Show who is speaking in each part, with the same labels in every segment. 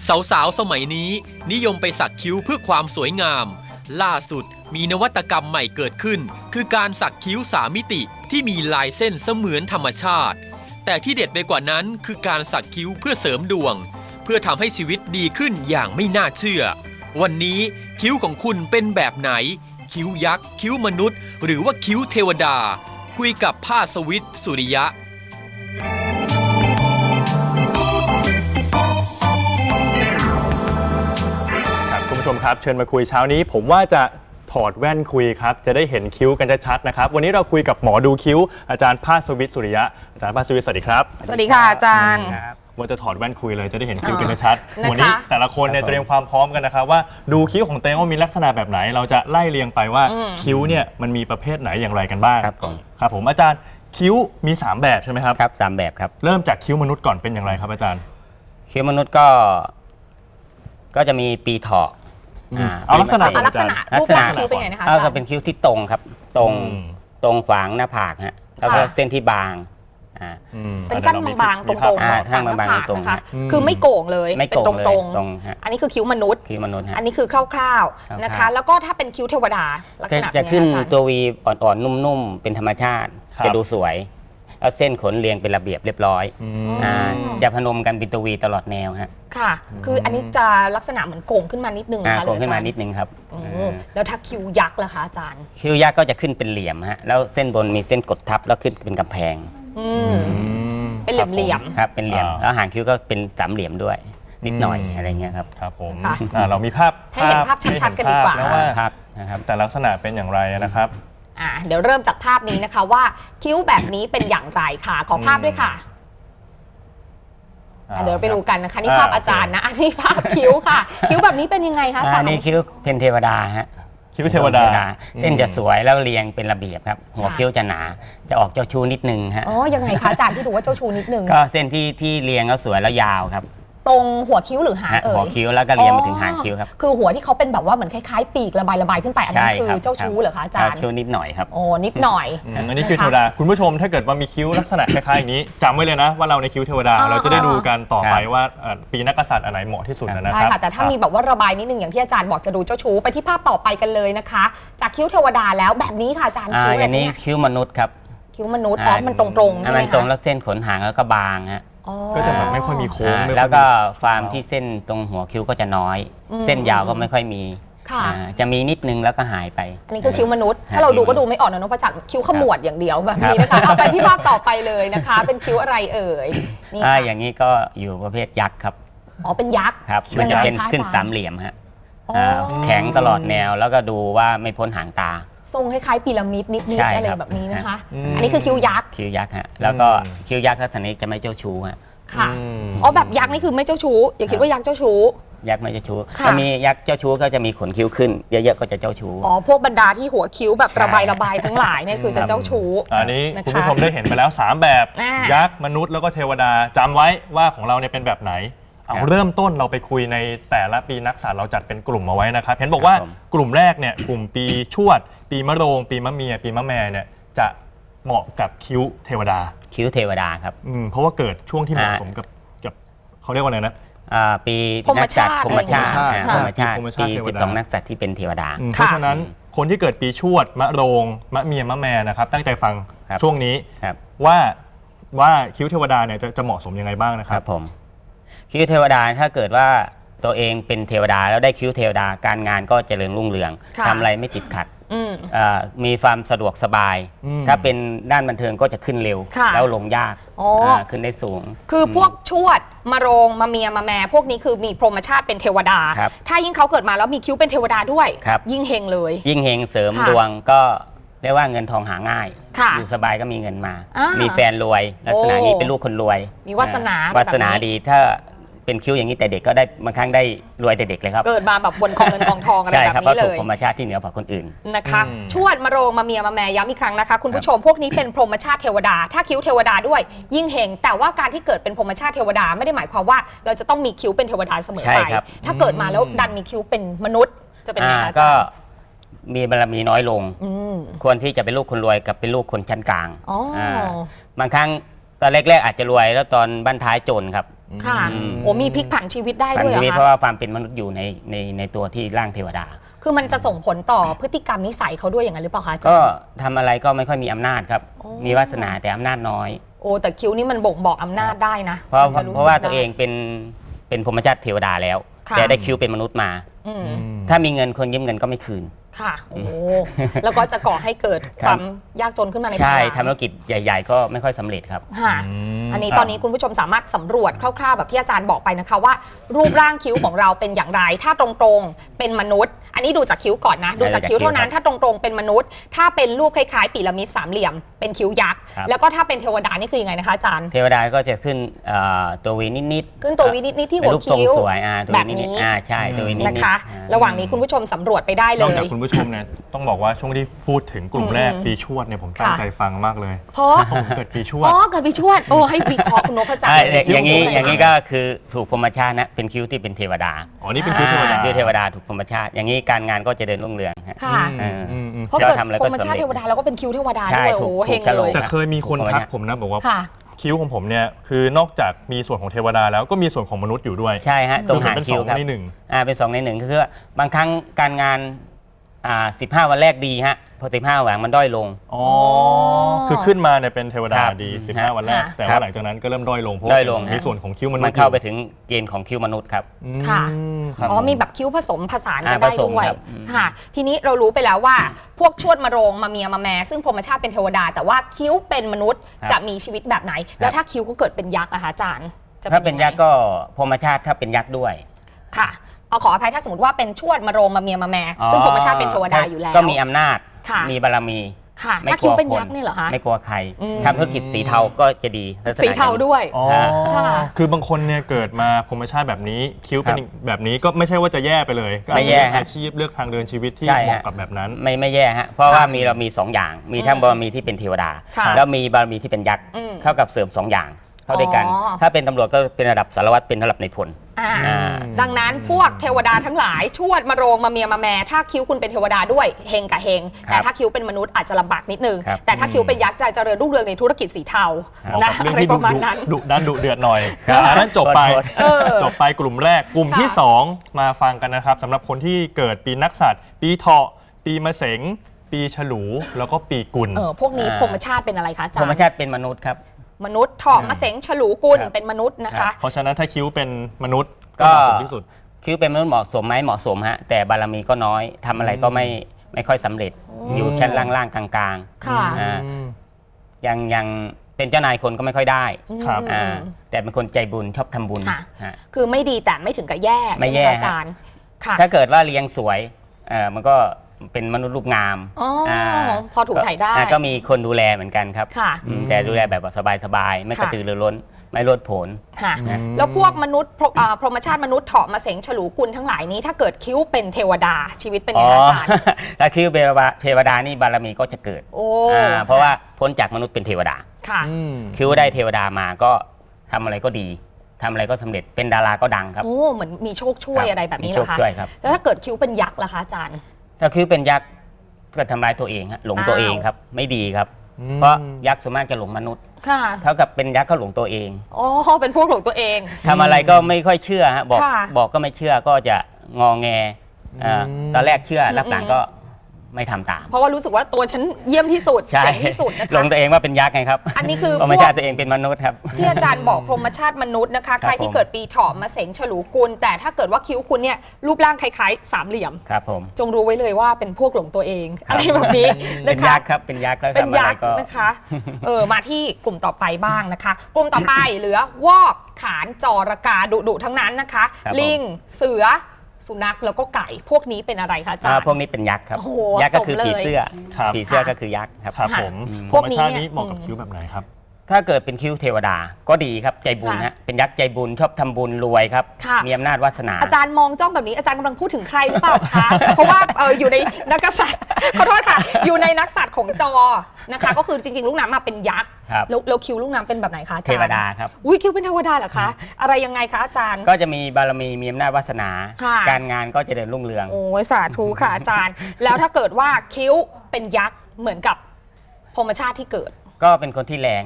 Speaker 1: สาวๆสมัยนี้นิยมไปสักคิ้วเพื่อความสวยงามล่าสุดมีนวัตกรรมใหม่เกิดขึ้นคือการสักคิ้ว3มิติที่มีลายเส้นเสมือนธรรมชาติแต่ที่เด็ดไปกว่านั้นคือการสักคิ้วเพื่อเสริมดวงเพื่อทำให้ชีวิตดีขึ้นอย่างไม่น่าเชื่อวันนี้คิ้วของคุณเป็นแบบไหนคิ้วยักษ์คิ้วมนุษย์หรือว่าคิ้วเทวดาคุยกับภาสวิทย์สุริยะ
Speaker 2: คุณผู้ชมครับเชิญมาคุยเช้านี้ผมว่าจะถอดแว่นคุยครับจะได้เห็นคิ้วกันชัดๆนะครับวันนี้เราคุยกับหมอดูคิ้วอาจารย์ภาสวิทย์สุริยะอาจารย์ภาสวิทย์สวัสดีครับ
Speaker 3: สวัสดีค่ะอาจารย์
Speaker 2: ว่าจะถอดแว่นคุยเลยจะได้เห็นคิ้วกันชัดๆวันนี้แต่ละคนเนี่ยเตรียมความพร้อมกันนะครับว่าดูคิ้วของเต้ว่ามีลักษณะแบบไหนเราจะไล่เรียงไปว่าคิ้วเนี่ยมันมีประเภทไหนอย่างไรกันบ้างครับผมอาจารย์คิ้วมี3แบบใช่ไหมครับ
Speaker 4: ครับ3แบบครับ
Speaker 2: เริ่มจากคิ้วมนุษย์ก่อนเป็นอย่างไรครับอาจารย์
Speaker 4: คิ้วมนุษย์ก็จะมีปีเถาะ
Speaker 2: เอาลักษณะ
Speaker 3: รูปร่างคิ้วเป็นไงนะคะอาจารย์
Speaker 4: ก็เป็นคิ้วที่ตรงครับตรงขวางหน้าผากฮะแล้วก็เส้นที่บาง
Speaker 3: เป็นสั้นบางๆตรงๆ
Speaker 4: สั้นบางๆตรง
Speaker 3: นะคะคือไม่โก่งเลยเป็นตรง
Speaker 4: ๆ
Speaker 3: อันนี้คือคิ้วมนุษย์อันนี้คือคร่าวๆนะคะแล้วก็ถ้าเป็นคิ้วเทวดาลักษณะ
Speaker 4: จะขึ้นตัววีอ่อนๆนุ่มๆเป็นธรรมชาติจะดูสวยแล้วเส้นขนเรียงเป็นระเบียบเรียบร้อยจะพนมกันเป็นตัววีตลอดแนวฮะ
Speaker 3: ค่ะคืออันนี้จะลักษณะเหมือนโก่งขึ้นมานิดนึงนะคะ
Speaker 4: โก่งขึ้นมานิดนึงครับ
Speaker 3: แล้วถ้าคิ้วยักษ์ล่ะคะอาจารย์
Speaker 4: คิ้วยักษ์ก็จะขึ้นเป็นเหลี่ยมฮะแล้วเส้นบนมีเส้นกดทับแล้วขึ้นเป็นกำแพง
Speaker 3: เป็นเหลี่ยม
Speaker 4: ครับเป็นเหลี่ยมแล้วหางคิ้วก็เป็นสามเหลี่ยมด้วยนิดหน่อยอะไรเงี้ยครับ
Speaker 2: ครับผมเรามีภาพ
Speaker 3: ให้เห็นภาพชัดๆกันดีกว่า
Speaker 2: นะครับแต่ลักษณะเป็นอย่างไรนะครับ
Speaker 3: เดี๋ยวเริ่มจากภาพนี้นะคะว่าคิ้วแบบนี้เป็นอย่างไรค่ะขอภาพด้วยค่ะเดี๋ยวไปดูกันนะคะนี่ภาพอาจารย์นะอันนี้ภาพคิ้วค่ะคิ้วแบบนี้เป็นยังไงคะอาจารย์
Speaker 4: นี่คิ้วเป็นเทวดาฮะ
Speaker 2: คิ้วเทวดา
Speaker 4: เส้นจะสวยแล้วเรียงเป็นระเบียบครับหัวคิ้วจะหนาจะออกเจ้าชู้นิดนึงฮะ
Speaker 3: ยังไงคะอาจารย์ที่ดูว่าเจ้าชู้นิดนึง
Speaker 4: ก็เส้นที่เรียงแล้วสวยแล้วยาวครับ
Speaker 3: ตรงหัวคิ้วหรือหาง
Speaker 4: หัวคิ้วแล้วก็เรียงไปถึงหางคิ้วครับ
Speaker 3: คือหัวที่เขาเป็นแบบว่าเหมือนคล้ายๆปีกระบายขึ้นไปอันนี้คือเจ้าชู้เหรอคะอาจารย์
Speaker 4: เจ้าชู้นิดหน่อยครับ
Speaker 3: นิดหน่อย
Speaker 2: อันนี้คิ้วเทวดาคุณผู้ชมถ้าเกิดว่ามีคิ้วลักษณะคล้ายๆอย่างนี้จำไว้เลยนะว่าเราในคิ้วเทวดาเราจะได้ดูกันต่อไปว่าปีนักกษัตริย์อันไหนเหมาะที่สุดนะครับ
Speaker 3: ใช่ค่ะแต่ถ้ามีแบบว่าระบายนิดนึงอย่างที่อาจารย์บอกจะดูเจ้าชู้ไปที่ภาพต่อไปกันเลยนะคะจากคิ้วเทวดาแล้วแบบนี้ค่ะอาจารย์คิ้วอะไร
Speaker 4: เนี่ยคิ้วมนุษย์ครับ
Speaker 3: คิ้วมนุษย์มันตรงๆใช่ไหม
Speaker 4: มันตรงแล้วเส้นขนหางแล้วก็บางฮะ
Speaker 2: ก็จะแบบไม่ค่อยมีโค้ง
Speaker 4: แล้วก็ฟาร์มที่เส้นตรงหัวคิ้วก็จะน้อยเส้นยาวก็ไม่ค่อยมีจะมีนิดนึงแล้วก็หายไป
Speaker 3: อันนี้คือคิ้วมนุษย์ถ้าเราดูก็ดูไม่ออกนะนพจักรคิ้วขมวดอย่างเดียวแบบนี้นะคะเอาไปที่ภาพต่อไปเลยนะคะเป็นคิ้วอะไรเอ่ย
Speaker 4: นี่อย่างนี้ก็อยู่ประเภทยักษ์ครับ
Speaker 3: เป็นยักษ์
Speaker 4: ครับมันจะเป็นขึ้นสามเหลี่ยมฮะแข็งตลอดแนวแล้วก็ดูว่าไม่พ้นหางตา
Speaker 3: ทรงคล้ายๆพีระมิดนิดๆอะไรแบบนี้นะคะอันนี้คือคิ้วยักษ์
Speaker 4: คิ้วยักษ์ฮะแล้วก็คิ้วยักษ์ลักษณะนี้จะไม่เจ้าชู้ฮะ
Speaker 3: ค่ะแบบยักษ์นี่คือไม่เจ้าชู้อย่าคิดว่ายักษ์เจ้าชู้
Speaker 4: ยักษ์ไม่เจ้าชู้ถ้ามียักษ์เจ้าชู้ก็จะมีขนคิ้วขึ้นเยอะๆก็จะเจ้าชู้
Speaker 3: พวกบรรดาที่หัวคิ้วแบบระบายทั้งหลายเนี่ยคือจะเจ้าชู้
Speaker 2: อันนี้คุณผู้ชมได้เห็นไปแล้ว3แบบยักษ์มนุษย์แล้วก็เทวดาจำไว้ว่าของเราเนี่ยเป็นแบบไหนเอาเริ่มต้นเราไปคุยในแต่ละปีนักษัตริย์เราจัดเป็นกลุ่มเอาไว้นะครับเห็นบอกว่ากลุ่มแรกเนี่ยกลุ่มปีชวดปีมะโรงปีมะเมียปีมะแม่เนี่ยจะเหมาะกับคิ้วเทวดา
Speaker 4: คิ้วเทวดาครับ
Speaker 2: เพราะว่าเกิดช่วงที่เหมาะสมกับเขาเรียกว่าอะไรนะ
Speaker 4: ปีนักษัตริย์พรหมชาติปี12นักษัตริย์ที่เป็นเทวดา
Speaker 2: เพราะฉะนั้นคนที่เกิดปีชวดมะโรงมะเมียมะแม่นะครับตั้งใจฟังช่วงนี้ว่าคิ้วเทวดาเนี่ยจะเหมาะสมยังไงบ้างนะครับ
Speaker 4: ผมคิ้วเทวดาถ้าเกิดว่าตัวเองเป็นเทวดาแล้วได้คิ้วเทวดาการงานก็เจริญรุ่งเรืองทำอะไรไม่ติดขัดมีความสะดวกสบายถ้าเป็นด้านบันเทิงก็จะขึ้นเร็วแล้วลงยากขึ้นได้สูง
Speaker 3: คือพวกชวดมะโรงมะเมียมะแม่พวกนี้คือมีพรหมชาติเป็นเทวดาถ้ายิ่งเขาเกิดมาแล้วมีคิ้วเป็นเทวดาด้วยยิ่งเฮงเลย
Speaker 4: ยิ่งเฮงเสริมดวงก็เรียกว่าเงินทองหาง่ายอยู่สบายก็มีเงินมามีแฟนรวยลักษณะนี้เป็นลูกคนรวย
Speaker 3: มีวาสนา
Speaker 4: ดีถ้าเป็นคิ้วอย่างนี้แต่เด็กก็ได้บางครั้งได้รวยแต่เด็กเลยครับ
Speaker 3: เกิดมาแบบบนกองเงินกองทองอะไรแบบนี้เลย
Speaker 4: พรหมชาติที่เหนือกว่าคนอื่น
Speaker 3: นะคะชวดมะโรงมะเมียมะแม่ย้ำอีกครั้งนะคะคุณผู้ชมพวกนี้เป็นพรหมชาติเทวดาถ้าคิ้วเทวดาด้วยยิ่งเฮงแต่ว่าการที่เกิดเป็นพรหมชาติเทวดาไม่ได้หมายความว่าเราจะต้องมีคิ้วเป็นเทวดาเสมอไปถ้าเกิดมาแล้วดันมีคิ้วเป็นมนุษย์จะเป็นยังไง
Speaker 4: ก็มีบารมีน้อยลงควรที่จะเป็นลูกคนรวยกับเป็นลูกคนชั้นกลางบางครั้งตอนแรกๆอาจจะรวยแล้วตอนบั้นท้ายจนครับ
Speaker 3: ค่ะ
Speaker 4: อืม
Speaker 3: โอ้มีพลิกผันชีวิตได้
Speaker 4: ผัน
Speaker 3: ด้วยเหร
Speaker 4: ชีวิต
Speaker 3: อ
Speaker 4: เพราะ
Speaker 3: คะ
Speaker 4: ว่าความเป็นมนุษย์อยู่ในตัวที่ร่างเทวดา
Speaker 3: คือมันจะส่งผลต่อพฤติกรรมนิสัยเขาด้วยอย่างนั้นหรือเปล่าคะอาจาร
Speaker 4: ก็
Speaker 3: ย์
Speaker 4: ทำอะไรก็ไม่ค่อยมีอำนาจครับ
Speaker 3: โอ้
Speaker 4: มีวาสนาแต่อำนาจน้อย
Speaker 3: โอ้แต่คิ้วนี่มันบ่งบอกอำนาจได้นะ
Speaker 4: เพราะ
Speaker 3: มันจะสึก
Speaker 4: เพราะว่า
Speaker 3: ได้
Speaker 4: ตัวเองเป็นพรหมชาติเทวดาแล้ว
Speaker 3: ค่ะ
Speaker 4: แต่ได้คิ้วเป็นมนุษย์มา
Speaker 3: อืม
Speaker 4: ถ้ามีเงินคนยืมเงินก็ไม่คืน
Speaker 3: ค่ะ โอ้ แล้วก็จะก่อให้เกิด
Speaker 4: ครับ
Speaker 3: ความยากจนขึ้นมาใน
Speaker 4: ใช่
Speaker 3: ภายหลัง
Speaker 4: ทำธุรกิจใหญ่ ๆ ก็ไม่ค่อยสำเร็จครับ
Speaker 3: ค่ะ อันนี้ตอนนี้คุณผู้ชมสามารถสำรวจคร่าวๆแบบที่อาจารย์บอกไปนะคะว่า รูปร่างคิ้วของเราเป็นอย่างไร ถ้าตรงๆเป็นมนุษย์ อันนี้ดูจากคิ้วก่อนนะ ดูจากคิ้วเท่านั้น ถ้าตรงๆเป็นมนุษย์ ถ้าเป็นรูปคล้ายๆพีระมิดสามเหลี่ยมเป็นคิ้วยักษ์
Speaker 4: ครับ
Speaker 3: แล้วก็ถ้าเป็นเทวดานี่คือยังไงนะคะอาจารย์
Speaker 4: เทวดาก็จะขึ้นตัววีนิดๆ
Speaker 3: ขึ้นตัววินิดๆที่
Speaker 4: เป็
Speaker 3: หั
Speaker 4: น
Speaker 3: ว
Speaker 4: รูปทรง
Speaker 3: คิ้ว
Speaker 4: สวยตัว
Speaker 3: แบ
Speaker 4: วี
Speaker 3: บ
Speaker 4: นิ
Speaker 3: นี้
Speaker 4: ดๆใช่ตัววีนิดๆ
Speaker 3: นะคะ
Speaker 4: อ่า
Speaker 3: ระหว่างนี้คุณผู้ชมสำรวจไปได้เล
Speaker 2: นอก
Speaker 3: ย
Speaker 2: จากคุณผู้ชมเนี่ยต้องบอกว่าช่วงที่พูดถึงกลุ่มแรกปีชวดเนี่ยผมตั้ง
Speaker 3: ค่ะ
Speaker 2: ใจฟังมากเลย
Speaker 3: เพราะ
Speaker 2: ผมเกิดปีชวด
Speaker 3: อ๋อเกิดปีชวดโอ้ให้วิเคราะห์คุณนพจักร
Speaker 4: ใช่
Speaker 3: เลย
Speaker 4: อย่างนี้
Speaker 3: คิ้ว
Speaker 4: อย่างนี้ก็คือถูกพรหมชาตินะเป็นคิ้วที่เป็นเทวดา
Speaker 2: อ๋อนี่เป็นคิ้วเทวดา
Speaker 4: คิ้วเทวดาถูกพรหมชาติ อย่างนี้การงานก็จะเดินรุ่งเรืองฮะ
Speaker 3: ค่ะ เพราะ
Speaker 4: เรา
Speaker 3: เกิด
Speaker 4: ทำอะไร
Speaker 3: พร
Speaker 4: ก็
Speaker 3: หมชาติ
Speaker 4: สำเร็จ
Speaker 3: เทวดาแล้วก็เป็นคิ้วเทวดา
Speaker 4: ใช่
Speaker 3: ด้วย
Speaker 4: ถู
Speaker 3: โอ้
Speaker 4: ก
Speaker 3: โหเฮง
Speaker 4: ถูก
Speaker 3: เลย
Speaker 2: แต่เคยมีคนทักผมนะบอกว่า
Speaker 3: ค่ะ
Speaker 2: คิ้วของผมเนี่ยคือนอกจากมีส่วนของเทวดาแล้วก็มีส่วนของมนุษย์อยู่ด้วย
Speaker 4: ใช่ฮะตรงหาง
Speaker 2: เป็น
Speaker 4: คิ้วครับ
Speaker 2: 2 ใน 1
Speaker 4: เป็น2 ใน 1คือว่าบางครั้งการงาน15 วันแรกดีฮะพอ15 วันมันด้อยลง
Speaker 2: อ๋อ คือขึ้นมาเนี่ยเป็นเทวดา
Speaker 4: ครับ
Speaker 2: ดี
Speaker 4: ฮะ
Speaker 2: 15 วันแรก แต่
Speaker 4: ครั
Speaker 2: ว่า
Speaker 4: บ
Speaker 2: หลังจากนั้นก็เริ่มด้อยลงเพราะ
Speaker 4: ด้อยลง
Speaker 2: มีส่วนของคิ้วมนุษย์
Speaker 4: มันเข้าไป
Speaker 2: อยู่
Speaker 4: ถึงเกณฑ์ของคิ้วมนุษย์ครับ
Speaker 2: อืม
Speaker 3: ค่ะ
Speaker 2: ครับ
Speaker 3: อ๋อมีแบบคิ้วผสมผสานกัน
Speaker 4: ผ
Speaker 3: ได้
Speaker 4: สม
Speaker 3: ด้วย
Speaker 4: ครับ
Speaker 3: ค่ะ ทีนี้เรารู้ไปแล้วว่าพวกชวดมาโรงมาเมียมาแม่ซึ่งพรหมชาติเป็นเทวดา แต่ว่าคิ้วเป็นมนุษย์
Speaker 4: ครับ
Speaker 3: จะมีชีวิตแบบไหน แล้วถ้าคิ้วเขาเกิดเป็นยักษ์อะคะอาจารย์จะ
Speaker 4: ถ้าเป็น
Speaker 3: งไง
Speaker 4: ยักษ์ก็พรหมชาติถ้าเป็นยักษ์ด้วย
Speaker 3: ค่ะเอาขออภัยถ้าสมมติว่าเป็นชวดมาโรงมาเมียมาแม่ซึ่งพรหมชาติเป็นเทวดาอยู่แล้ว
Speaker 4: ก็มีอำนาจ
Speaker 3: ค่ะ
Speaker 4: มีบารมี
Speaker 3: ค่ะ
Speaker 4: ไม่
Speaker 3: ถ้าก คิ้
Speaker 4: ลั
Speaker 3: ว
Speaker 4: ว
Speaker 3: เป็น
Speaker 4: ค
Speaker 3: ยักษ์นี่เหรอคะ
Speaker 4: ไม่กลัวใคร
Speaker 3: อืม
Speaker 4: ทำธุรกิจสีเทาก็จะดีลักษณะ
Speaker 3: สีเทาด้วย
Speaker 2: อ๋อ
Speaker 3: ค่ะ
Speaker 2: คือบางคนเนี่ยเกิดมาพรหมชาติแบบนี้คิ้วเป็นแบบนี้ก็ไม่ใช่ว่าจะแย่ไปเลยก็อาจ
Speaker 4: ไม่
Speaker 2: จะ
Speaker 4: แย่
Speaker 2: เลือก
Speaker 4: ฮะ
Speaker 2: อาชีพเลือกทางเดินชีวิตที่
Speaker 4: ใช่
Speaker 2: เหมาะ
Speaker 4: ฮะ
Speaker 2: กับแบบนั้น
Speaker 4: ไม่แย่ฮะเพราะว่าเรามี2 อย่าง มีทั้งบารมีที่เป็นเทวดา
Speaker 3: ค่ะ
Speaker 4: แล้วมีบารมีที่เป็นยักษ์
Speaker 3: อืม
Speaker 4: เท่ากับเสริม2 อย่างเข้าด้วยกัน
Speaker 3: อ๋อ
Speaker 4: ถ้าเป็นตำรวจก็เป็นระดับสารวัตรเป็นระดับในายพล
Speaker 3: อ่า
Speaker 4: อ่า
Speaker 3: ดังนั้นพวกเทวดาทั้งหลายชวดมาโรงมาเมียมาแม่ถ้าคิ้วคุณเป็นเทวดาด้วยเฮงกับเฮง
Speaker 4: ครับ
Speaker 3: แต่ถ้าคิ้วเป็นมนุษย์อาจจะลำบากนิดนึง
Speaker 4: ครับ
Speaker 3: แต่ถ้าคิ้วเป็นยักษ์จะเจริญรุ่งเรืองในธุรกิจสีเทา
Speaker 2: เหมาะ
Speaker 3: นะ
Speaker 2: กับเรื่อง
Speaker 3: อะไร
Speaker 2: ที่
Speaker 3: ประมาณนั้น
Speaker 2: ดุดันดุเดือดหน่อย
Speaker 4: ครับ
Speaker 2: อันนั้นจบไป
Speaker 3: เออ
Speaker 2: จบไปกลุ่มแรกกลุ่มที่
Speaker 3: ค่ะ
Speaker 2: 2 มาฟังกันนะครับสำหรับคนที่เกิดปีนักษัตริย์ปีเถาะปีมะเสงปีฉลูแล้วก็ปีกุล
Speaker 3: พวกนี้พรหมชาติเป็นอะไรคะอาจาร
Speaker 4: พรหม
Speaker 3: ย์
Speaker 4: ชาติเป็นมนุษย์ครับ
Speaker 3: มนุษย์เถาะมะเสงฉลูกุล
Speaker 4: ครับ
Speaker 3: เป็นมนุษย์นะคะ
Speaker 2: เพราะฉะนั้นถ้าคิ้วเป็นมนุษย์
Speaker 4: ก็
Speaker 2: ก็เหมาะสมที่สุด
Speaker 4: คิ้วเป็นมนุษย์เหมาะสมไหมเหมาะสมฮะแต่บารมีก็น้อยทำอะไรก็ไม่ค่อยสำเร็จ อยู่ชั้นล่างๆกลาง
Speaker 3: ค่ะ
Speaker 4: ๆยังเป็นเจ้านายคนก็ไม่ค่อยได้
Speaker 2: ครับ
Speaker 3: อืม
Speaker 4: แต่เป็นคนใจบุญชอบทำบุญ
Speaker 3: ค่ะ
Speaker 4: ฮะ
Speaker 3: คือไม่ดีแต่ไม่ถึงกับแย่
Speaker 4: ไม่
Speaker 3: ใช่ไหม
Speaker 4: แย่
Speaker 3: คะอาจารย์ค่ะ
Speaker 4: ถ้าเกิดว่าเลี้ยงสวยมันก็เป็นมนุษย์รูปงาม
Speaker 3: อ๋ออา พอถูกถ่ายได้
Speaker 4: ก็มีคนดูแลเหมือนกันครับ
Speaker 3: ค่ะ
Speaker 4: แต่ดูแลแบบว่าสบายๆไม่กระตือรือร้นไม่โลดโผน
Speaker 3: ค่ะ
Speaker 2: อืม
Speaker 3: แล้วพวกมนุษย์พรหมชาติมนุษย์เถาะมาเสงฉลูกุลทั้งหลายนี้ ถ้าเกิดคิ้วเป็นเทวดาชีวิตเป็นยังไงอาจารย์
Speaker 4: ถ้าคิ้วเทวดานี่บารมีก็จะเกิด
Speaker 3: โอ้
Speaker 4: เพราะว่าพ้นจากมนุษย์เป็นเทวดา
Speaker 3: ค่ะ
Speaker 4: คิ้วได้เทวดามาก็ทำอะไรก็ดีทำอะไรก็สำเร็จเป็นดาราก็ดังครับ
Speaker 3: โอ้เหมือนมีโชคช่วย
Speaker 4: ครับ
Speaker 3: อะไรแบบนี้
Speaker 4: มี
Speaker 3: เหร
Speaker 4: โช
Speaker 3: อ
Speaker 4: ค
Speaker 3: คะ
Speaker 4: ช่วยครับ
Speaker 3: แล้วถ้าเกิดคิ้วเป็นยักษ์ล่ะคะอาจารย์
Speaker 4: ถ้าคิ้วเป็นยักษ์ก็ทำลายตัวเองฮะหลงตัวเองครับไม่ดีครับ
Speaker 2: อืม
Speaker 4: เพราะยักษ์ส่วนมากจะหลงมนุษย์
Speaker 3: ค่ะ
Speaker 4: เท่ากับเป็นยักษ์ก็หลงตัวเอง
Speaker 3: อ๋อเป็นพวกของตัวเอง
Speaker 4: ทำอะไรก็ไม่ค่อยเชื่อฮะบอก
Speaker 3: ค่ะ
Speaker 4: บอกก็ไม่เชื่อก็จะงอแงตอนแรกเชื่อรับหลังก็ไม่ทำตาม
Speaker 3: เพราะว่ารู้สึกว่าตัวฉันเยี่ยมที่สุด
Speaker 4: ใช่
Speaker 3: เจ๋งที่สุดนะ
Speaker 4: หล
Speaker 3: คะ
Speaker 4: งตัวเองว่าเป็นยักษ์ไงครับ
Speaker 3: อันนี้คือ
Speaker 4: ธรรม
Speaker 3: พว
Speaker 4: ชาก ติตัวเองเป็นมนุษย์ครับ
Speaker 3: ที่อาจารย์บอกพรหมชาติมนุษย์นะคะ ใครที่เกิดปีเถาะมาเสงฉลูกุลแต่ถ้าเกิดว่าคิ้วคุณเนี่ยรูปร่างคล้ายๆสามเหลี่ยม
Speaker 4: ครับผม
Speaker 3: จงรู้ไว้เลยว่าเป็นพวกหลงตัวเองอะไรแบบนี้
Speaker 4: เป็
Speaker 3: นะ
Speaker 4: น
Speaker 3: คะ
Speaker 4: ยักษ์ครับเป็นยักษ์แล้ว
Speaker 3: เป็น
Speaker 4: ทำอะไร
Speaker 3: ยักษ์
Speaker 4: ก็
Speaker 3: นะคะมาที่กลุ่มต่อไปบ้างนะคะ กลุ่มต่อไปเหลือวอกขานจอระกาดุทั้งนั้นนะคะ
Speaker 4: ครับผม
Speaker 3: ลิงเสือสุนัขแล้วก็ไก่พวกนี้เป็นอะไรคะอาจารย์
Speaker 4: พวกนี้เป็นยักษ์ครับ
Speaker 3: โอ้โห
Speaker 4: ยักษ์ก็คือ
Speaker 3: สมเลย
Speaker 4: ผีเสื้อ
Speaker 2: ครับ
Speaker 4: ผีเสื้อ
Speaker 3: ค่ะ
Speaker 4: ก็คือยักษ์ครับ
Speaker 2: ครับ
Speaker 3: ค่ะ
Speaker 2: ผม
Speaker 3: พวกนี้
Speaker 2: ธรรมชาติ
Speaker 3: เนี่ย
Speaker 2: นี้เหมาะกับคิ้วแบบไหนครับ
Speaker 4: ถ้าเกิดเป็นคิ้วเทวดาก็ดีครับใจบุญ
Speaker 3: ค่ะ
Speaker 4: ฮะเป็นยักษ์ใจบุญชอบทำบุญรวยครับ
Speaker 3: ค่ะ
Speaker 4: มีอำนาจวาสนา
Speaker 3: อาจารย์มองจ้องแบบนี้อาจารย์กำลังพูดถึงใครหรือเปล่าคะ เพราะว่าอยู่ในนักษัตริย์ขอโทษค่ะ อยู่ในนักษัตริย์ของจอนะคะ ก็คือจริงๆลูกน้ำมาเป็นยักษ์
Speaker 4: ครับ
Speaker 3: แล้วคิ้วลูกน้ำเป็นแบบไหนคะอา
Speaker 4: เท
Speaker 3: จารย์
Speaker 4: วดาครับ
Speaker 3: อุ้ยคิ้วเป็นเทวดาเหรอคะ อะไรยังไงคะอาจารย์
Speaker 4: ก็จะมีบารมีมีอำนาจวาสนา
Speaker 3: ค่ะ
Speaker 4: การงานก็จะเดินรุ่งเรือง
Speaker 3: โอ้ยสาธุค่ะอาจารย์ แล้วถ้าเกิดว่าคิ้วเป็นยักษ์เหมือนกับพรหมชาติที่เกิด
Speaker 4: ก็เป็นคนที่แรงฮะ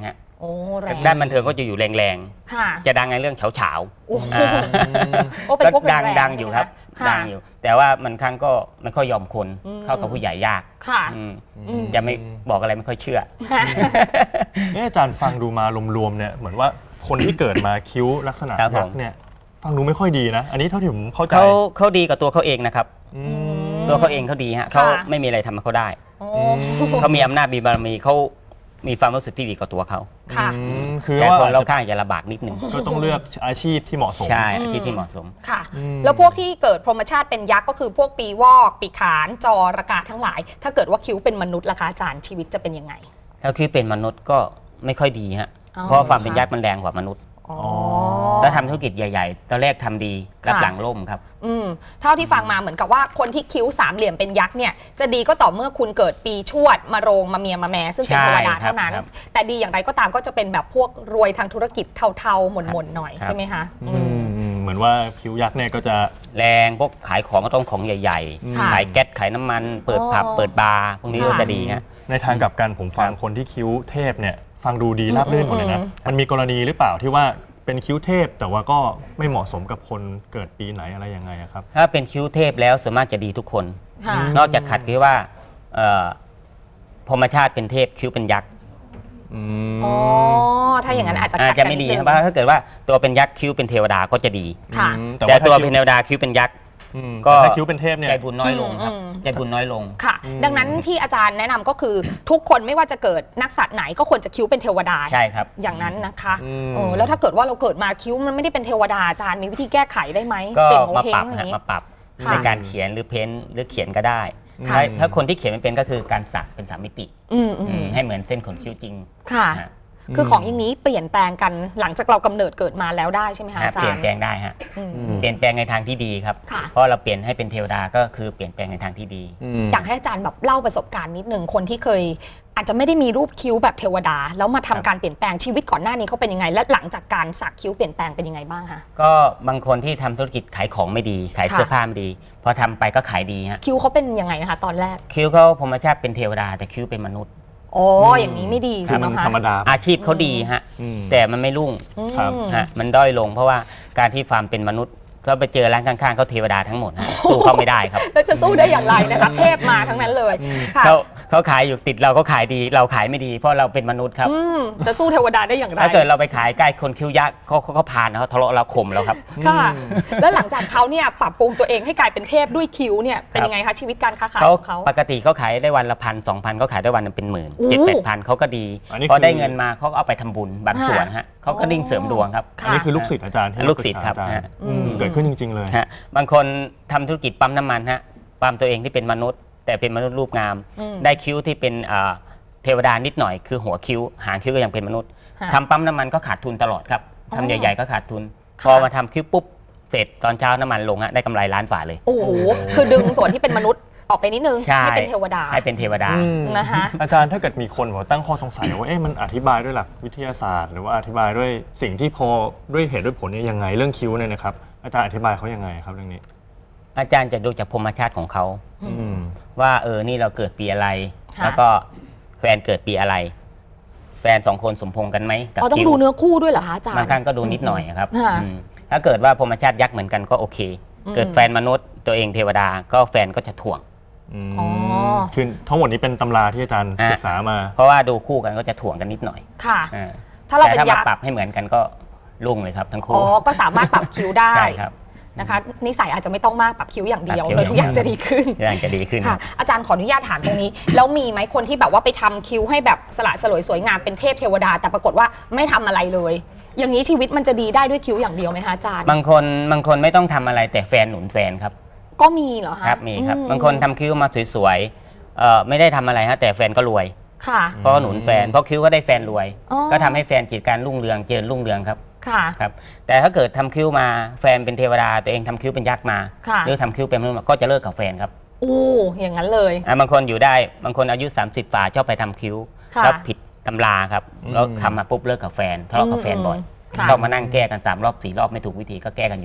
Speaker 3: โอ้แรง
Speaker 4: ด้านบันเทิงก็จะอยู่แรง
Speaker 3: ค่ะ
Speaker 4: ๆจะดังในเรื่องเฉา
Speaker 3: โอ้โห
Speaker 4: ๆอ่า
Speaker 3: โอ้เป็น
Speaker 4: ก็
Speaker 3: พวกแรงๆ
Speaker 4: ดังอยู่ครับ
Speaker 3: ใช่ไหมะ
Speaker 4: ดังอยู่ แต่ว่ามันครั้งก็ไม่ค่อยยอมคน
Speaker 3: อืม
Speaker 4: เข้ากับผู้ใหญ่ยาก
Speaker 3: ค่ะ
Speaker 4: อืม
Speaker 3: อืม
Speaker 4: จะไม่บอกอะไรไม่ค่อยเชื่อ
Speaker 3: ค่ะ
Speaker 2: อาจารย์ฟังดูมารวมๆเนี่ยเหมือนว่าคนที่เกิดมาคิ้วลักษณะ
Speaker 4: ครับผม
Speaker 2: ยักษ์เนี่ยฟังดูไม่ค่อยดีนะ อันนี้เท่าที่ผมเข้าใจ
Speaker 4: เขาดีกับตัวเขาเองนะครับ
Speaker 2: อืม
Speaker 4: ตัวเขาเองเขาดีฮะ
Speaker 3: ค่ะ
Speaker 4: เขาไม่มีอะไรทำให้เขาได้
Speaker 3: โอ้
Speaker 4: เขามีอำนาจมีบารมีเขามีความรู้สึกที่ดีกับตัวเขา
Speaker 3: ค่ะ
Speaker 2: คือ
Speaker 4: แต่
Speaker 2: ว่า
Speaker 4: คนรอบข้างจะลำบากนิดนึง
Speaker 2: ก็ต้องเลือกอาชีพที่เหมาะสม
Speaker 4: ใช่อาชีพที่เหมาะสม
Speaker 3: ค่ะ
Speaker 2: อืม
Speaker 3: แล้วพวกที่เกิดพรหมชาติเป็นยักษ์ก็คือพวกปีวอกปีขานจอระกาทั้งหลาย ถ้าเกิดว่าคิ้วเป็นมนุษย์ล่ะคะอาจารย์ชีวิตจะเป็นยังไง
Speaker 4: ถ้าคิดเป็นมนุษย์ก็ไม่ค่อยดีฮะ
Speaker 3: อ๋อ
Speaker 4: เพราะความเป็นยักษ์มันแรงกว่ามนุษย์
Speaker 3: อ๋อ
Speaker 4: ถ้าทำธุรกิจใหญ่ๆ ตอนแรกทำดีรับ
Speaker 3: ค่ะ
Speaker 4: หลังล่มครับ
Speaker 3: เท่าที่ฟังมาเหมือนกับว่าคนที่คิ้วสามเหลี่ยมเป็นยักษ์เนี่ยจะดีก็ต่อเมื่อคุณเกิดปีชวดมะโรงมะเมียมะแม่ซึ่งเป็น
Speaker 4: ใช่
Speaker 3: เทวดา
Speaker 4: ครับ
Speaker 3: เท่านั้น
Speaker 4: ครับ
Speaker 3: แต่ดีอย่างไรก็ตามก็จะเป็นแบบพวกรวยทางธุรกิจเทาๆหม่นๆหน่อย
Speaker 4: ครับ
Speaker 3: ใช่ไหมคะ
Speaker 2: เหมือนว่าคิ้วยักษ์เนี่ยก็จะ
Speaker 4: แรงพวกขายของก็ต้องของใหญ่
Speaker 3: ค่ะ
Speaker 4: ๆ ขายแก๊สขายน้ำมัน เปิดผับ
Speaker 3: อ๋อ
Speaker 4: เปิดบาร์พวกนี้
Speaker 3: ค่ะ
Speaker 4: ก็จะดีฮะ
Speaker 2: ในทางกลับกันผมฟัง
Speaker 4: ครับ
Speaker 2: คนที่คิ้วเทพเนี่ยฟังดูดีราบรื่นหมดเลยนะ
Speaker 3: อืม
Speaker 2: มันมีกรณีหรือเปล่าที่ว่าเป็นคิ้วเทพแต่ว่าก็ไม่เหมาะสมกับคนเกิดปีไหนอะไรยังไงอะครับ
Speaker 4: ถ้าเป็นคิ้วเทพแล้วส่วนมากจะดีทุกคน
Speaker 3: ค่ะ
Speaker 4: นอกจากขัดที่ว่าพรหมชาติเป็นเทพคิ้วเป็นยักษ์
Speaker 3: อ๋อถ้าอย่างนั้นอาจจะ
Speaker 4: อา
Speaker 3: ขั
Speaker 4: จ
Speaker 3: ด
Speaker 4: จะ
Speaker 3: กัน
Speaker 4: ไม่
Speaker 3: นิด
Speaker 4: ดี
Speaker 3: นึง
Speaker 4: ครับเพราะถ้าเกิดว่าตัวเป็นยักษ์คิ้วเป็นเทวดาก็จะดี
Speaker 3: ค่ะ
Speaker 4: แต่
Speaker 2: ถ้า
Speaker 4: ตัว
Speaker 2: คิ้
Speaker 4: เป็นเทวดาคิ้วเป็นยักษ์ ก็
Speaker 2: แต่ถ้าคิ้วเป็นเทพเนี่ย
Speaker 4: ใจบุญน้อยลงครับ
Speaker 3: อืม
Speaker 4: ใจบุญน้อยลง
Speaker 3: ค่ะ ดังนั้นที่อาจารย์แนะนำก็คือทุกคนไม่ว่าจะเกิดนักสัตว์ไหนก็ควรจะคิ้วเป็นเทวดา
Speaker 4: ใช่ครับ
Speaker 3: อย่างนั้นนะคะ
Speaker 2: อืม
Speaker 3: แล้วถ้าเกิดว่าเราเกิดมาคิ้วมันไม่ได้เป็นเทวดาอาจารย์มีวิธีแก้ไขได้ไหม
Speaker 4: ก็
Speaker 3: เปลี่ยนโง
Speaker 4: มา
Speaker 3: เฮ
Speaker 4: ป
Speaker 3: ง
Speaker 4: รับ
Speaker 3: อย่าง
Speaker 4: ฮะ
Speaker 3: นี้
Speaker 4: มาปรับ
Speaker 3: ค่ะ
Speaker 4: ในการเขียนหรือเพ้นท์หรือเขียนก็ได้
Speaker 3: ค่ะ
Speaker 4: ถ้าคนที่เขียนไม่เป็นก็คือการสักเป็นสามมิติ
Speaker 3: อืม
Speaker 4: ให้เหมือนเส้นขนคิ้วจริง
Speaker 3: ค่ะ
Speaker 4: ฮะ
Speaker 3: คือของอย่างนี้เปลี่ยนแปลงกันหลังจากเรากำเนิดเกิดมาแล้วได้ใช่ไหมคะ
Speaker 4: ฮะ
Speaker 3: อาจา
Speaker 4: เปลี่ย
Speaker 3: ร
Speaker 4: น
Speaker 3: ย์
Speaker 4: แปลงได้ฮะ
Speaker 3: อืม
Speaker 4: เปลี่ยนแปลงในทางที่ดีครับ
Speaker 3: ค่ะ
Speaker 4: เพราะเราเปลี่ยนให้เป็นเทวดาก็คือเปลี่ยนแปลงในทางที่ดี
Speaker 3: อยากให้อาจารย์แบบเล่าประสบการณ์นิดหนึ่งคนที่เคย อาจจะไม่ได้มีรูปคิ้วแบบเทวดา แล้วมาทำการเปลี่ยนแปลงชีวิตก่อนหน้านี้เขาเป็นยังไง และหลังจากการสักคิ้วเปลี่ยนแปลงเป็นยังไงบ้างคะ
Speaker 4: ก็บางคนที่ทำธุรกิจขายของไม่ดี ขาย
Speaker 3: ค่ะ
Speaker 4: เสื้อผ้าไม่ดี พอทำไปก็ขายดีฮะ
Speaker 3: คิ้วเขาเป็นยังไงนะคะตอนแรก
Speaker 4: คิ้วเขาพรหมชาติเป็นเทวดาแต่คิ้วเป็นมนุษย์
Speaker 3: อ๋ออย่างนี้ไม่ดี
Speaker 2: คื
Speaker 3: สิ
Speaker 2: อมัน
Speaker 3: เนาะคะ
Speaker 2: ธรรมดา
Speaker 4: อาชีพเขาดีฮะ
Speaker 2: อืม
Speaker 4: แต่มันไม่รุ่ง
Speaker 3: อืม
Speaker 2: ครับ
Speaker 4: ฮะมันด้อยลงเพราะว่าการที่ฟาร์มเป็นมนุษย์ก็ไปเจอร้านข้างๆเขาเทวดาทั้งหมดฮะสู้เขาไม่ได้ครับ
Speaker 3: แล้วจะสู้ได้อย่างไรนะคะ เทพมาทั้งนั้นเลยค่ะ
Speaker 4: เขาขายอยู่ติดเราก็ขายดี เราขายไม่ดี เพราะเราเป็นมนุษย์ครับ
Speaker 3: จะสู้เทวดาได้อย่างไร
Speaker 4: ถ้าเกิดเราไปขายใกล้คนคิ้วยักษ์เขาผ่านเขาทะเลาะเราข่มเราครับ
Speaker 3: ค่ะ แล้วหลังจากเขาเนี่ยปรับปรุงตัวเองให้กลายเป็นเทพด้วยคิ้วเนี่ยเป็นยังไงคะชีวิตการค้าขายของเขา
Speaker 4: ปกติเขาขายได้วันละ1,000-2,000เขาขายได้วันละเป็นหมื่น
Speaker 3: โอ้
Speaker 4: 7-8,000เขาก็ดี
Speaker 2: อันนี้
Speaker 4: พอได้
Speaker 2: คือ
Speaker 4: เงินมาเขาก็เอาไปทำบุญบางส่วนฮะเขาก็ดิ่งเสริมดวงครับ
Speaker 3: ค่ะ
Speaker 2: อันนี้คือลูกศิษย์อาจารย์ที่
Speaker 4: ลูกศิษย์ครับ
Speaker 2: ปกษาอาจา
Speaker 4: ฮะ
Speaker 2: เกิดขึ้นจริง ๆ เลย
Speaker 4: ฮะบางคนทำธุรกิจปั๊มน้ำมันฮะปั๊มตัวเองที่เป็นมนุษย์ แต่เป็นมนุษย์รูปงาม ได้คิ้วที่เป็นเทวดานิดหน่อยคือหัวคิ้วหางคิ้วก็ยังเป็นมนุษย์
Speaker 3: ค่ะ
Speaker 4: ทำปั๊มน้ำมันก็ขาดทุนตลอดครับ
Speaker 3: อ๋อ
Speaker 4: ทำใหญ่ๆก็ขาดทุน
Speaker 3: ค่ะ
Speaker 4: พอมาทำคิ้วปุ๊บเสร็จตอนเช้าน้ำมันลงฮะได้กำไรล้านฝ่าเลย
Speaker 3: โอ้โหคือดึงส่วนที่เป็นมนุษย์ออกไปนิดนึง
Speaker 4: ใช่
Speaker 3: ให้เป็นเทวดา
Speaker 4: ให้เป็นเทวดา
Speaker 3: นะคะ
Speaker 2: อาจารย์ถ้าเกิดมีคนบอกว่าตั้งข้อสงสัยว่าเอ๊ะมันอธิบายด้วยหลักวิทยาศาสตร์ หรือว่าอธิบายด้วยสิ่งที่พอด้วยเหตุด้วยผลเนี่ยยังไงเรื่องคิ้วเนี่ยนะครับอาจารย์อธิบายเขายังไงครับเรื่องนี้
Speaker 4: อาจารย์จะดูจากพรหมชาติของเขา
Speaker 2: อืม
Speaker 4: ว่านี่เราเกิดปีอะไร
Speaker 3: ค่ะ
Speaker 4: แล้วก็แฟนเกิดปีอะไร แฟนสองคนสมพงษ์กันไหมกับ
Speaker 3: อ๋อต้อง
Speaker 4: คิ้ว
Speaker 3: ดูเนื้อคู่ด้วยเหรอคะอาจารย์
Speaker 4: บางครั้งก็ดูนิดหน่อยครับ
Speaker 3: ค่ะ
Speaker 4: ถ้าเกิดว่าพรหมชาติยักษ์เหมือนกันก็โอเค เกิดแฟนมนุษย์ตัวเองเทวดาก็แฟนก็จะถ่วง
Speaker 3: อ๋อ
Speaker 2: คือทั้งหมดนี้เป็นตำราที่อาจารย์ศึกษามา
Speaker 4: เพราะว่าดูคู่กันก็จะถ่วงกันนิดหน่อย
Speaker 3: ค่ะ
Speaker 4: อ่า
Speaker 3: ถ้าเรา
Speaker 4: แต่
Speaker 3: เป็น
Speaker 4: ถ้า
Speaker 3: ยั
Speaker 4: มาก
Speaker 3: ษ์
Speaker 4: ปรับให้เหมือนกันก็รุ่งเลยครับทั้ง
Speaker 3: อ๋
Speaker 4: คู่
Speaker 3: อก็สามารถปรับคิ้วได้
Speaker 4: ใช่ครับ
Speaker 3: นะคะนิสัยอาจจะไม่ต้องมากปรับคิ้วอย่างเดียว
Speaker 4: ปรับคิ้ว
Speaker 3: เลยทุกอย่างจะดีขึ้น
Speaker 4: อย่างจะดีขึ้น
Speaker 3: ค่ะ อาจารย์ขออนุญาตถามตรงนี้ แล้วมีไหมคนที่แบบว่าไปทำคิ้วให้แบบสละสลวยสวยงามเป็นเทพเทวดา แต่ปรากฏว่าไม่ทำอะไรเลย อย่างนี้ชีวิตมันจะดีได้ด้วยคิ้วอย่างเดียวไหมคะอาจารย์
Speaker 4: บางคนไม่ต้องทำอะไรแต่แฟนหนุนแฟนครับ
Speaker 3: ก็มีเหรอคะ
Speaker 4: ครับมีครับ
Speaker 3: อื
Speaker 4: บางคนทำคิ้วมาสวยๆไม่ได้ทำอะไรฮะแต่แฟนก็รวย
Speaker 3: ค่ะ
Speaker 4: เพราะหนุนแฟนเพราะคิ้วก็ได้แฟนรวย
Speaker 3: อ๋อ
Speaker 4: ก็ทำให้แฟนกิจการรุ่งเรืองเจริญรุ่งเรืองครับ
Speaker 3: ค่ะ
Speaker 4: ครับแต่ถ้าเกิดทำคิ้วมาแฟนเป็นเทวดาตัวเองทำคิ้วเป็นยักษ์มา
Speaker 3: ค่ะ
Speaker 4: หรือทำคิ้วเป็นมนุษย์มาก็จะเลิกกับแฟนครับ
Speaker 3: อู้อย่างนั้นเลย
Speaker 4: บางคนอยู่ได้บางคนอายุ 30 ฝ่าชอบไปทำคิ้ว
Speaker 3: ค่ะ
Speaker 4: แล้วผิดตำราครับ
Speaker 2: อืม
Speaker 4: แล้วทำมาปุ๊บเลิกกับแฟนทะเลาะกับแฟนบ่อย
Speaker 3: ค่ะ
Speaker 4: ต้องมานั่งแก้กัน3 รอบ 4 รอบไม่ถูกวิธีก็แก้กันอยู่เรื่อย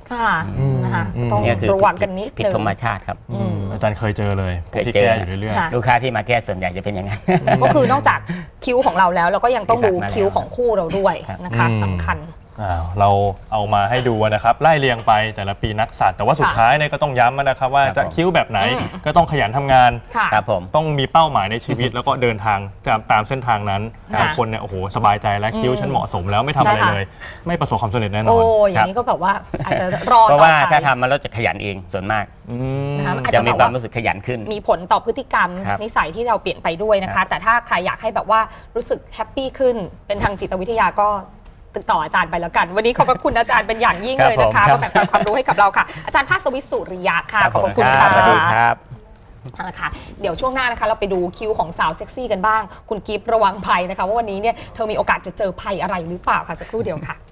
Speaker 3: ค่ะนะคะต้อง
Speaker 4: เนี่ยคือ
Speaker 3: ระวังกันนิด
Speaker 4: ผิด
Speaker 3: นึง
Speaker 4: ธรรมชาติครับ
Speaker 2: อาจารย์เคยเจอเลย
Speaker 4: เคย
Speaker 2: ที่
Speaker 4: เจอ
Speaker 2: แก้อยู่เรื่อย
Speaker 3: ค่ะ
Speaker 4: ลูกค้าที่มาแก้ส่วนใหญ่จะเป็นอย่างนั้น
Speaker 3: ก็คือนอกจากคิ้วของเราแล้วเราก็ยังต้องดู
Speaker 4: ที่สักมาแล้ว
Speaker 3: คิ้วของคู่เราด้วย
Speaker 4: ครับ
Speaker 3: นะคะสำคัญ
Speaker 2: เราเอามาให้ดูนะครับไล่เรียงไปแต่ละปีนักสัตว์แต่ว่าสุดท้ายเนี่ยก็ต้องย้ำนะครับว่าจะคิ้วแบบไหนก็ต้องขยันทำงาน
Speaker 3: ค่ะ
Speaker 4: ครับผม
Speaker 2: ต้องมีเป้าหมายในชีวิตแล้วก็เดินทางตามเส้นทางนั้น
Speaker 3: ค่ะ
Speaker 2: บางคนเนี่ยโอ้โหสบายใจแล้วคิ้วฉันเหมาะสมแล้วไม่ทำอะไร
Speaker 3: ได้ค่ะ
Speaker 2: เลย ไม่ประสบความสำเร็จแน่นอ
Speaker 3: โอ้
Speaker 2: น
Speaker 3: อย่างนี้ก็แบบว่าอาจจะรอ
Speaker 4: เพราะ
Speaker 3: ต่อ
Speaker 4: ว่า
Speaker 3: ไป
Speaker 4: ถ้าทำมาแล้วจะขยันเองส่วนมาก
Speaker 3: นะคะอาจ
Speaker 4: จะ
Speaker 3: จะ
Speaker 4: มี
Speaker 3: แบบ
Speaker 4: ความ
Speaker 3: ว่า
Speaker 4: รู้สึกขยันขึ้น
Speaker 3: มีผลต่อพฤติกรรม
Speaker 4: ครับ
Speaker 3: นิสัยที่เราเปลี่ยนไปด้วยนะ
Speaker 4: ครั
Speaker 3: คะ
Speaker 4: บ
Speaker 3: แต่ถ้าใครอยากให้แบบว่ารู้สึกแฮปปี้ขึ้นเป็นทางจิตวิทยาก็ติดต่ออาจารย์ไปแล้วกัน วันนี้ขอบพระคุณอาจารย์เป็นอย่างยิ่งเลยนะคะมาแบ่งปันความรู้ให้กับเราค่ะ อาจารย์ภาสวิทย์สุริยะค่ะ
Speaker 4: ครับ
Speaker 3: ขอบ
Speaker 4: ผม
Speaker 3: คุณ
Speaker 4: ครั
Speaker 3: ค่ะ
Speaker 4: บสวัสดีครับ
Speaker 3: เอาละค่ะเดี๋ยวช่วงหน้านะคะเราไปดูคิวของสาวเซ็กซี่กันบ้าง คุณกิฟต์ระวังภัยนะคะว่าวันนี้เนี่ยเธอมีโอกาสจะเจอภัยอะไรหรือเปล่าค่ะสักครู่เดียวค่ะ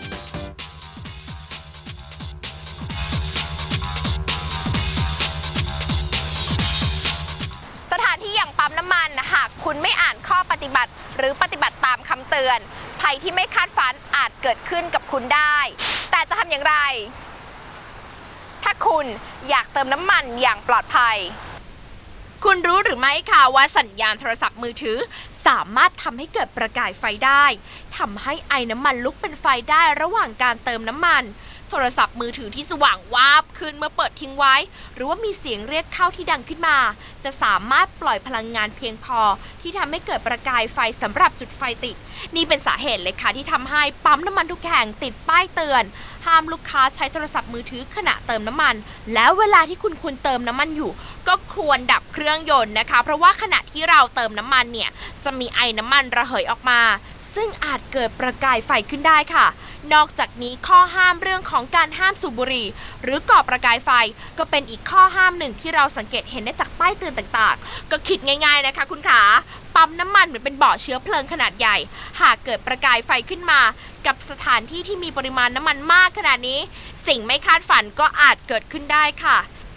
Speaker 5: สถานที่อย่างปั๊มน้ำมันหากคุณไม่อ่านข้อปฏิบัติ หรือปฏิบัติตามคำเตือนภัยที่ไม่คาดฝันอาจเกิดขึ้นกับคุณได้ แต่จะทำอย่างไร ถ้าคุณอยากเติมน้ำมันอย่างปลอดภัย คุณรู้หรือไม่คะว่าสัญญาณโทรศัพท์มือถือสามารถทำให้เกิดประกายไฟได้ทำให้ไอน้ำมันลุกเป็นไฟได้ระหว่างการเติมน้ำมันโทรศัพท์มือถือที่สว่างวาบขึ้นเมื่อเปิดทิ้งไว้ หรือว่ามีเสียงเรียกเข้าที่ดังขึ้นมา จะสามารถปล่อยพลังงานเพียงพอที่ทำให้เกิดประกายไฟสำหรับจุดไฟติดนี่เป็นสาเหตุเลยค่ะที่ทำให้ปั๊มน้ำมันทุกแห่งติดป้ายเตือนห้ามลูกค้าใช้โทรศัพท์มือถือขณะเติมน้ำมันแล้วเวลาที่คุณควรเติมน้ำมันอยู่ก็ควรดับเครื่องยนต์นะคะเพราะว่าขณะที่เราเติมน้ำมันเนี่ยจะมีไอน้ำมันระเหยออกมาซึ่งอาจเกิดประกายไฟขึ้นได้ค่ะนอกจากนี้ข้อห้ามเรื่องของการห้ามสูบบุหรี่หรือก่อประกายไฟก็เป็นอีกข้อห้ามหนึ่งที่เราสังเกตเห็นได้จากป้ายเตือนต่างๆก็คิดง่ายๆนะคะคุณขาปั๊มน้ำมันเหมือนเป็นบ่อเชื้อเพลิงขนาดใหญ่หากเกิดประกายไฟขึ้นมากับสถานที่ที่มีปริมาณน้ำมันมากขนาดนี้สิ่งไม่คาดฝันก็อาจเกิดขึ้นได้ค่ะ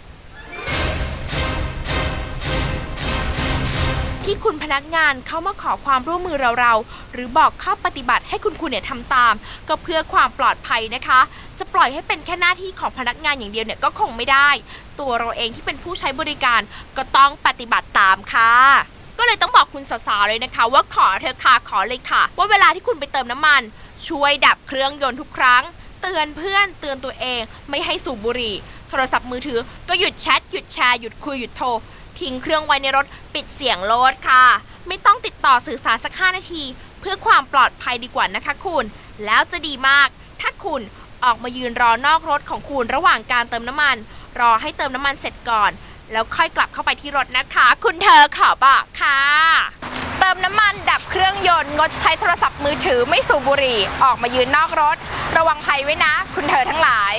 Speaker 5: ที่คุณพนักงานเข้ามาขอความร่วมมือเราหรือบอกข้อปฏิบัติให้คุณเนี่ยทำตามก็เพื่อความปลอดภัยนะคะจะปล่อยให้เป็นแค่หน้าที่ของพนักงานอย่างเดียวเนี่ยก็คงไม่ได้ตัวเราเองที่เป็นผู้ใช้บริการก็ต้องปฏิบัติตามค่ะก็เลยต้องบอกคุณสาวๆเลยนะคะว่าขอเธอค่ะขอเลยค่ะว่าเวลาที่คุณไปเติมน้ำมันช่วยดับเครื่องยนต์ทุกครั้งเตือนเพื่อนเตือนตัวเองไม่ให้สูบบุหรี่โทรศัพท์มือถือก็หยุดแชทหยุดแชร์หยุดคุยหยุดโทรทิ้งเครื่องไว้ในรถปิดเสียงรถค่ะไม่ต้องติดต่อสื่อสารสัก5นาทีเพื่อความปลอดภัยดีกว่านะคะคุณแล้วจะดีมากถ้าคุณออกมายืนรอนอกรถของคุณระหว่างการเติมน้ำมันรอให้เติมน้ำมันเสร็จก่อนแล้วค่อยกลับเข้าไปที่รถนะคะคุณเธอขอบอกค่ะเติมน้ำมันดับเครื่องยนต์งดใช้โทรศัพท์มือถือไม่สูบบุหรี่ออกมายืนนอกรถระวังภัยไว้นะคุณเธอทั้งหลาย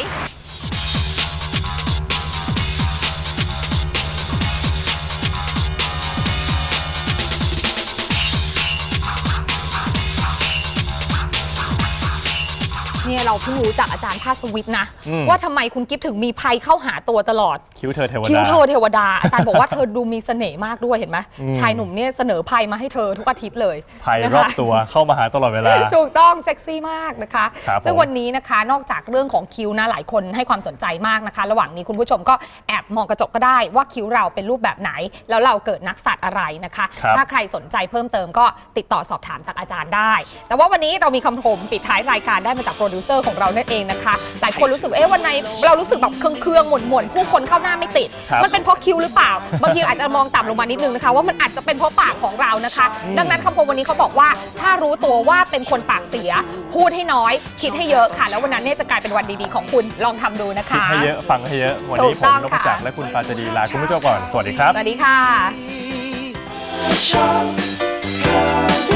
Speaker 3: เนี่ยเราเพิ่งรู้จากอาจารย์ภาสวิทย์นะว่าทำไมคุณกิฟต์ถึงมีภัยเข้าหาตัวตลอด
Speaker 2: คิ้วเธอเทวดา
Speaker 3: คิ้วเธอเทวดาอาจารย์บอกว่าเธอดูมีเสน่ห์มากด้วยเห็นไหมชายหนุ่มเนี่ยเสนอภัยมาให้เธอทุกอาทิตย์เลย
Speaker 2: ภัย
Speaker 3: นะ
Speaker 2: รอ
Speaker 3: คะ
Speaker 2: บตัวเข้ามาหาตลอดเวลา
Speaker 3: ถูกต้องเซ็กซี่มากนะคะ
Speaker 2: ครับ
Speaker 3: ซึ่ง
Speaker 2: ผม
Speaker 3: วันนี้นะคะนอกจากเรื่องของคิ้วนะหลายคนให้ความสนใจมากนะคะ ระหว่างนี้คุณผู้ชมก็แอบมองกระจกก็ได้ว่าคิ้วเราเป็นรูปแบบไหน แล้วเราเกิดนักสัตว์อะไรนะคะ
Speaker 2: ครับ
Speaker 3: ถ้าใครสนใจเพิ่มเติมก็ติดต่อสอบถามจากอาจารย์ได้ แต่ว่าวันนี้เรามีคำชมปิดท้ายรายการได้มาจากโปรดิวเซอร์ของเรานั่นเองนะคะหลายคนรู้สึกวันไหนเรารู้สึกแบบเครื่องหม่นผู้คนเข้าหน้าไม่ติด
Speaker 2: ครับ
Speaker 3: มันเป็นเพราะคิ้วหรือเปล่าบางทีอาจจะมองต่ำลงมานิดนึงนะคะว่ามันอาจจะเป็นเพราะปากของเรานะคะ ดังนั้นคำคมวันนี้เขาบอกว่าถ้ารู้ตัวว่าเป็นคนปากเสียพูดให้น้อยคิดให้เยอะค่ะ แล้ววันนั้นเนี่ยจะกลายเป็นวันดีๆของคุณลองทำดูนะ
Speaker 2: คิด
Speaker 3: คะ
Speaker 2: ให้เยอะฟังให้เยอะวัน
Speaker 3: ถู
Speaker 2: นี้
Speaker 3: ก
Speaker 2: ผ
Speaker 3: ต้
Speaker 2: ม
Speaker 3: อง
Speaker 2: นพ
Speaker 3: ค่ะ
Speaker 2: จักรและคุณปาจดีลาคุณผู้ชมก่อนสวัสดีครับ
Speaker 3: สวัสดีค่ะ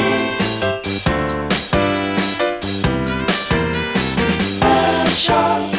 Speaker 6: Shop